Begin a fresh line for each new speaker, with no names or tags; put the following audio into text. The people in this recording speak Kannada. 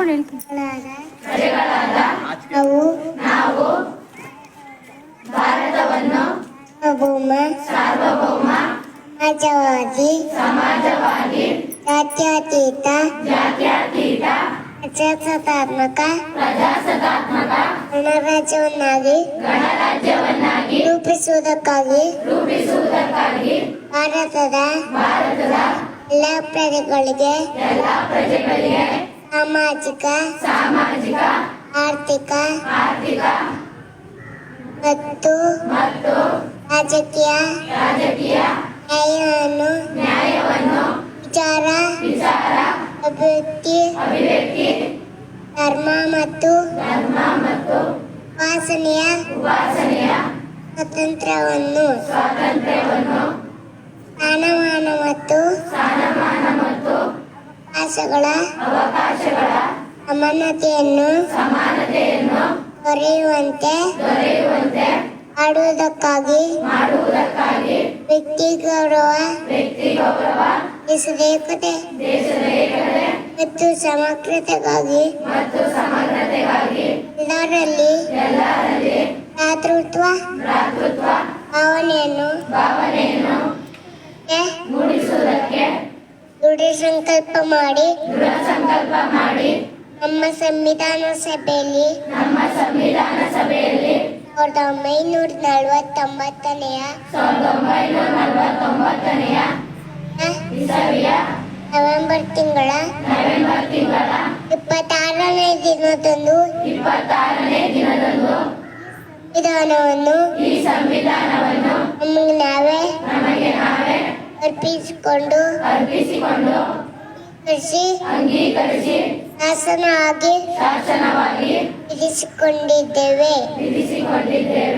ಅವ್ರು ಹೇಳ್ತೀನಿ.
ನಾವು ಭಾರತವನ್ನು ಸಾರ್ವಭೌಮ ಸಮಾಜವಾದಿ
ಜಾತ್ಯತೀತ ಪ್ರಜಾಸತ್ತಾತ್ಮಕ ಗಣರಾಜ್ಯವನ್ನಾಗಿ ರೂಪಿಸುವುದಕ್ಕಾಗಿ ಭಾರತದ ಎಲ್ಲ ಪ್ರಜೆಗಳಿಗೆ ಸಾಮಾಜಿಕ ಆರ್ಥಿಕ ಮತ್ತು ರಾಜಕೀಯ ನ್ಯಾಯವನ್ನು ವಿಚಾರ ಅಭಿವ್ಯಕ್ತಿ ಧರ್ಮ ಮತ್ತು ಉಪಾಸನೆಯ ಸ್ವಾತಂತ್ರ್ಯವನ್ನು ಸ್ಥಾನಮಾನ ಮತ್ತು ಅವಕಾಶಗಳ ಸಮಾನತೆಯನ್ನು ದೊರೆಯುವಂತೆ ಮಾಡುವುದಕ್ಕಾಗಿ ವ್ಯಕ್ತಿ ಗೌರವ ದೇಶದ ಏಕತೆ ಮತ್ತು ಸಮಗ್ರತೆಗಾಗಿ ಎಲ್ಲರಲ್ಲಿ ಭ್ರಾತೃತ್ವ ಭಾವನೆಯನ್ನು ದೃಢ ಸಂಕಲ್ಪ ಮಾಡಿ ನಮ್ಮ ಸಂವಿಧಾನ ಸಭೆಯಲ್ಲಿ 1949ನೆಯ ನವೆಂಬರ್ ತಿಂಗಳ 26ನೇ ದಿನದಂದು ಈ ಸಂವಿಧಾನವನ್ನು ನಮಗೆ ನಾವೇ ಅರ್ಪಿಸಿಕೊಂಡು ಶಾಸನವಾಗಿ ವಿಧಿಸಿಕೊಂಡಿದ್ದೇವೆ.